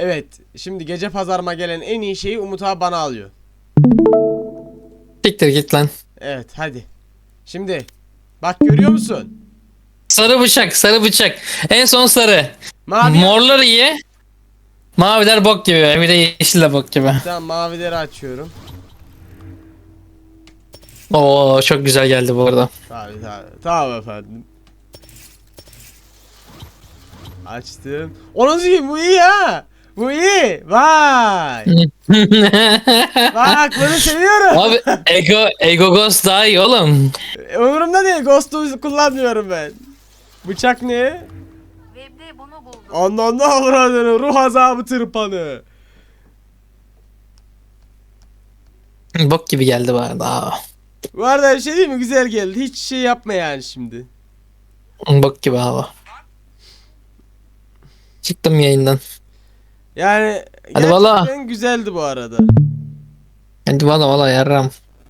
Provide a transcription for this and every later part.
Evet. Şimdi gece pazarıma gelen en iyi şeyi Umut abi bana alıyor. Siktir git lan. Evet hadi. Şimdi. Bak görüyor musun? Sarı bıçak, sarı bıçak. En son sarı. Mavi. Morlar iyi. Maviler bok gibi. Bir de yeşil de bok gibi. Tamam mavileri açıyorum. Oo çok güzel geldi bu arada. Tabii tabii. Tamam efendim. Açtım. Onun için bu iyi ha. Bu iyi. Vay. Bak bunu seviyorum. Abi Ego Ghost daha iyi oğlum. Umurumda değil. Ghost'u kullanmıyorum ben. Bıçak ne? Web'de bunu buldum. Ondan da avradını. Ruh azabı tırpanı. Bok gibi geldi bu arada. Aa, Bu arada bir şey değil mi? Güzel geldi. Hiç şey yapma yani şimdi. bok gibi hava. Çıktım yayından. Yani Hadi gerçekten valla. güzeldi bu arada. Hadi valla yarram.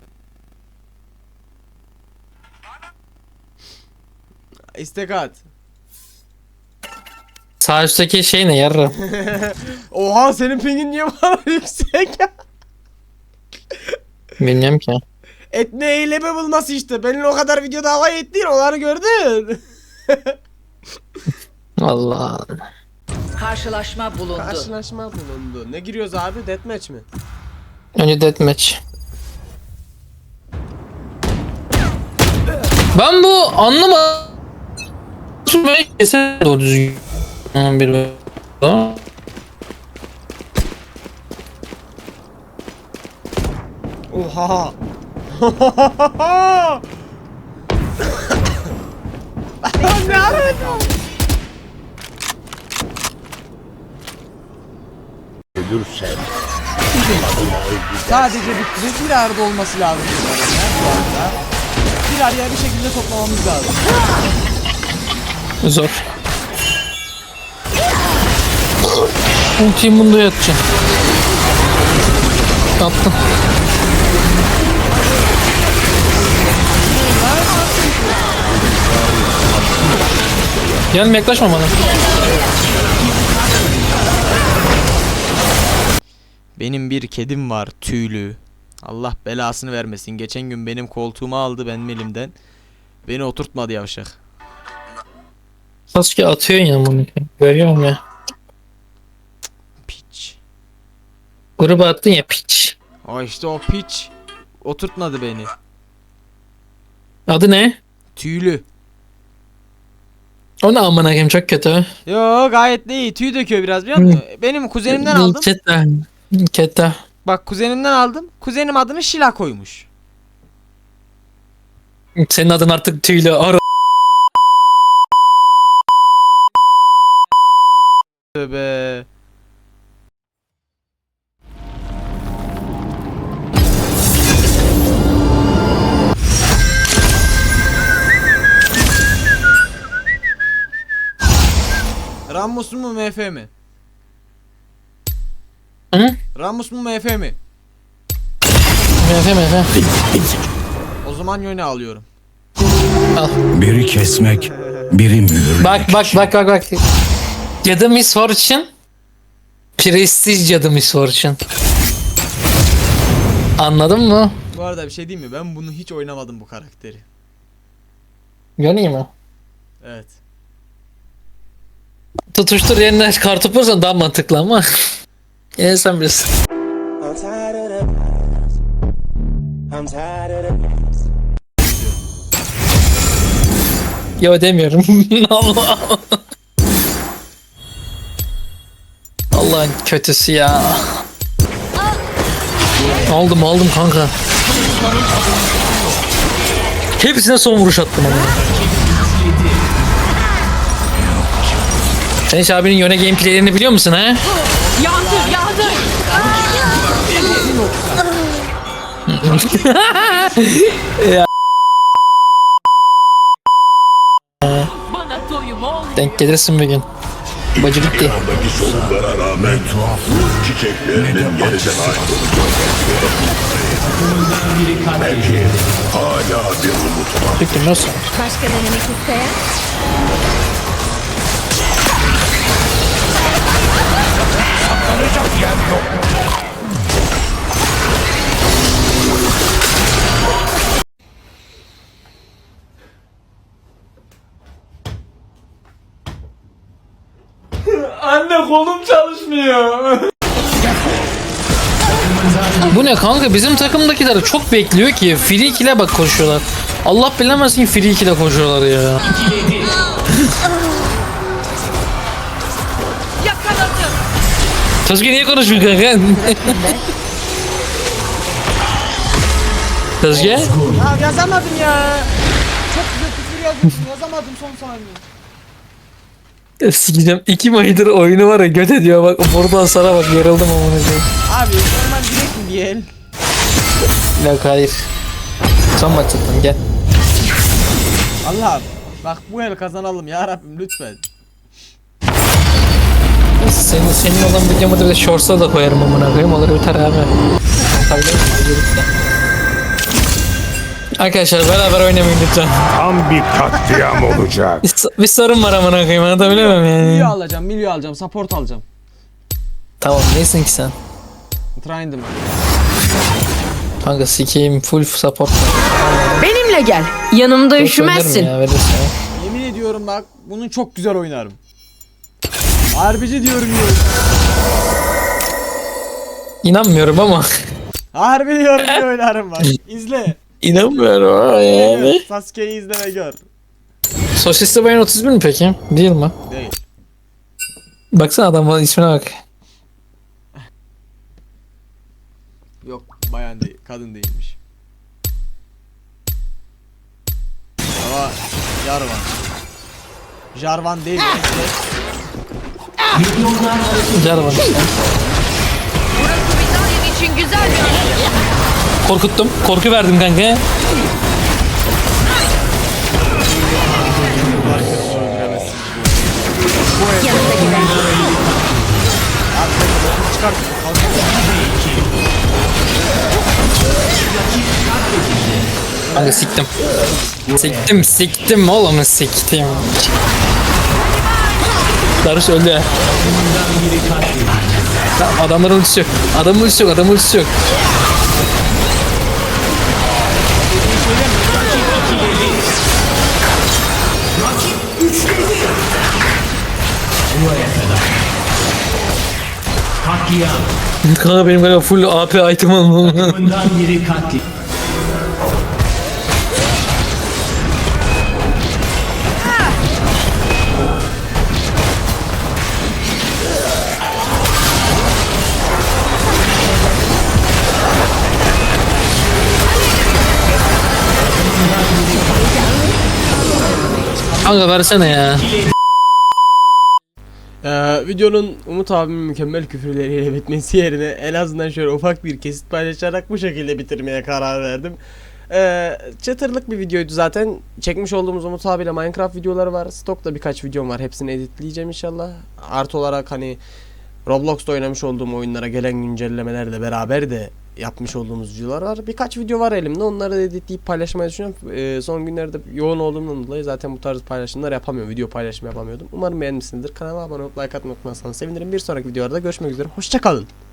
İstek at. Sağ üstteki şey ne yarram? Oha senin pingin niye bu kadar yüksek? Bilmiyorum ki. Etne eyleme bulması işte. Benim o kadar videoda havaya ettiğin onları gördün. Valla. Karşılaşma bulundu. Karşılaşma bulundu. Ne giriyoruz abi? Deathmatch mi? Önce deathmatch. Ben bu anlamadım. Kesin doğru düzgün. Bir Oha. Ne yapıyorsun? Ölürsen Sadece bir arada olması lazım. Şu anda. Bir araya bir şekilde toplamamız lazım. zor. Ultiyi bunda yatacağım. Yaptım. Gelme yaklaşma bana. Benim bir kedim var tüylü. Allah belasını vermesin. Geçen gün benim koltuğumu aldı benim elimden. Beni oturtmadı yavşak. Sasuke atıyorsun ya bunu. Görüyorum ya. Piç. Gruba attın ya piç. O işte o piç. Oturtmadı beni. Adı ne? Tüylü. O ne amına koyayım çok kötü. Yo gayet de iyi. Tüy döküyor biraz biliyor musun? Benim kuzenimden aldım. Keta. Keta. Bak kuzenimden aldım. Kuzenim adını Şila koymuş. Senin adın artık tüylü. Tövbe. Ramos mu MF mi? Hı? Ramos mu MF mi? Mefe. O zaman yöne alıyorum. biri kesmek, biri mühürlemek. Bak. Cadı Miss Fortune. Prestij Cadı Miss Fortune. Anladın mı? Bu arada bir şey diyeyim mi? Ben bunu hiç oynamadım bu karakteri. Göreyim mi? Evet. Tutuştur yerine kartopu vursan daha mantıklı ama. Yine sen bilirsin. I'm tired of the past. I'm tired of the past. Yo demiyorum. Allah. Allah'ın kötüsü ya. Aldım kanka. Hepsine son vuruş attım ama. Sen hiç abinin yöne gameplaylerini biliyor musun ha? Yandır. Bana doyum ol. Denk gelirsin bir gün. Bacı bitti. Yandaki sorunlara rağmen çiçeklerinin yeniden belki hala bir umut var. Peki nasıl? Başka denemek isteyen? çalışmıyor. Bu ne kanka, bizim takımdakiler çok bekliyor ki free kill'e bak koşuyorlar. Allah bilemezsin free kill'e koşuyorlar ya. Yakaladım. Sasuke niye konuşmuyor kanka? Sasuke? Ya yazamadım ya. Çok güzel küfür yazmışsın. Yazamadım son saniye. Sikeceğim. 2 aydır oyunu var ya, göt ediyor bak. Buradan sana bak, yarıldım amına koyayım. Abi normal direkt mi diyelim? Yok hayır. Son maç attım, gel. Allah'ım. Bak bu el kazanalım ya Rabbim lütfen. Senin olan videomu da bir de shorts'a da koyarım amına koyayım, olur biter abi. Tabii, arkadaşlar beraber oynamayın lütfen. Tam bir katliam olacak. Bir sorun var amına koyayım, anlatabiliyor muyum Milyo yani? alacağım, milyo alacağım, support alacağım. Tamam, neysin ki sen? Trind'im. Kanka sikeyim, full support. Benimle gel. Yanımda üşümezsin. Ya, verirsin ya. Yemin ediyorum bak bunu çok güzel oynarım. Harbici diyorum ya. İnanmıyorum ama. Harbi diyorum diye oynarım bak. İzle. İnanmıyorum ama yani. Sasuke'yi izle ve gör. Sosisli Bayan 31 mi peki? Değil mi? Değil. Baksana adamın ismine bak. Yok bayan değil, kadın değilmiş. Ama Jarvan. Jarvan değil. Jarvan işte. Burası Vitalya'nın için güzel bir yer. Korkuttum. Korku verdim kanka. Kanka siktim. Siktim oğlum, siktim. Darış öldü ya. Adamların ultisi yok. Adamın ultisi yok. Kanka benim galiba full AP item almam. Kanka versene ya. Videonun Umut abimin mükemmel küfürleriyle bitmesi yerine en azından şöyle ufak bir kesit paylaşarak bu şekilde bitirmeye karar verdim. Çıtırlık bir videoydu zaten. Çekmiş olduğumuz Umut abiyle Minecraft videoları var. Stokta birkaç videom var. Hepsini editleyeceğim inşallah. Artı olarak hani Roblox'ta oynamış olduğum oyunlara gelen güncellemelerle beraber de yapmış olduğumuz videolar var. Birkaç video var elimde. Onları da editleyip paylaşmayı düşünüyorum. Son günlerde yoğun olduğumdan dolayı zaten bu tarz paylaşımlar yapamıyorum. Video paylaşımı yapamıyordum. Umarım beğenmişsinizdir. Kanalıma abone olup like atmayı unutmazsanız sevinirim. Bir sonraki videolarda görüşmek üzere. Hoşça kalın.